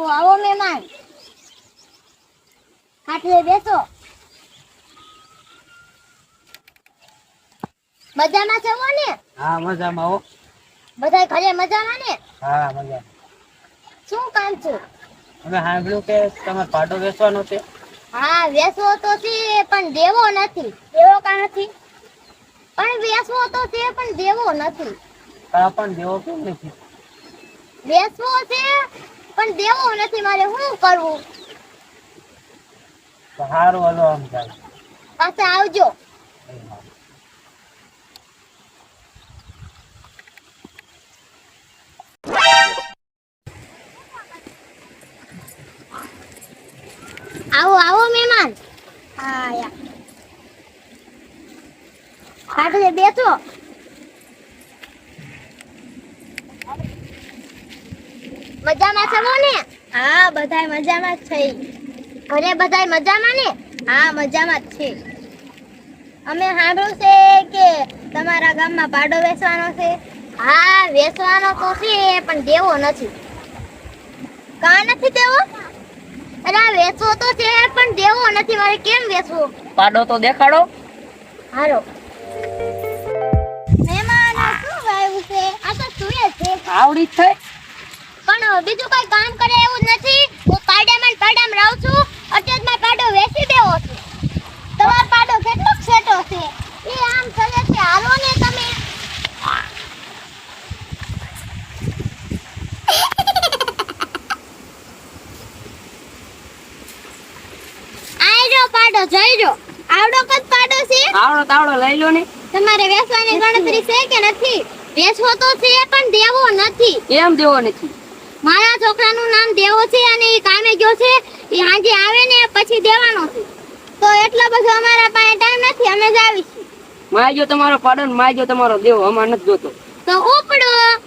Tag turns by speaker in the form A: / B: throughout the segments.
A: આવો આવો મહેમાન, ખાટલે બેસો. મજામાં છો ને?
B: હા મજામાં હો.
A: બધા ઘરે મજામાં ને?
B: હા મજામાં.
A: શું કામ છે?
B: અમે સાંભળ્યું કે તમારે પાડો વેચવાનો છે.
A: હા વેચવો તો છે પણ દેવો નથી. દેવો કા નથી? પણ વેચવો તો છે પણ દેવો નથી.
B: પણ દેવો કેમ નથી?
A: વેચવો છે પણ દેવો નથી. મારે શું કરવું?
B: તો સારું હાલો આમ જાય.
A: પાછા આવજો. આવો આવો મહેમાન. હા આયા. ખાટલે બેસો. મજામાં છો ને? હા બધાય મજામાં જ છે. ઘરે બધાય મજામાં ને? હા મજામાં જ છે. અમે સાંભળ્યું છે કે તમારા ગામમાં પાડો વેચવાનો છે. હા વેચવાનો તો છે પણ દેવો નથી. કા નથી દેવો? અરે વેચવો તો છે પણ દેવો નથી. મારે કેમ વેચવો?
B: પાડો તો દેખાડો.
A: હારો. મહેમાન શું વાવ્યું છે? આ તો સુરે છે.
B: આવડી જ થઈ.
A: પણ બીજું કઈ કામ કરે એવું નથી. હું પાડામાં રહું છું. અત્યારમાં પાડો વેચી દેવો છે. તમારો પાડો કેટલો છેટો છે? એ આમ ચલે છે. હાલો ને તમે. આયરો પાડો જઈરો. આવડો કદ પાડો છે?
B: આવડો તાવડો લઈ લો ને.
A: તમારે વેચવાની ગણતરી છે કે નથી? વેચવો તો છે પણ દેવો નથી.
B: કેમ દેવો નથી?
A: મારા છોકરાનું નામ દેવો છે અને એ કામે ગયો છે. એ હાંજે આવે ને પછી દેવાનો છે. તો એટલો બધો અમારા પાસે ટાઈમ નથી. અમે જ આવીશું.
B: માજો તમારો પાડો ને માજો તમારો દેવો અમાર નથી જોતો.
A: તો ઉપડો.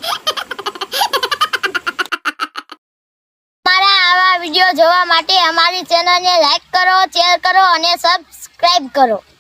A: મારા આવા વિડિયો જોવા માટે અમારી ચેનલને લાઈક કરો, શેર કરો અને સબસ્ક્રાઇબ કરો.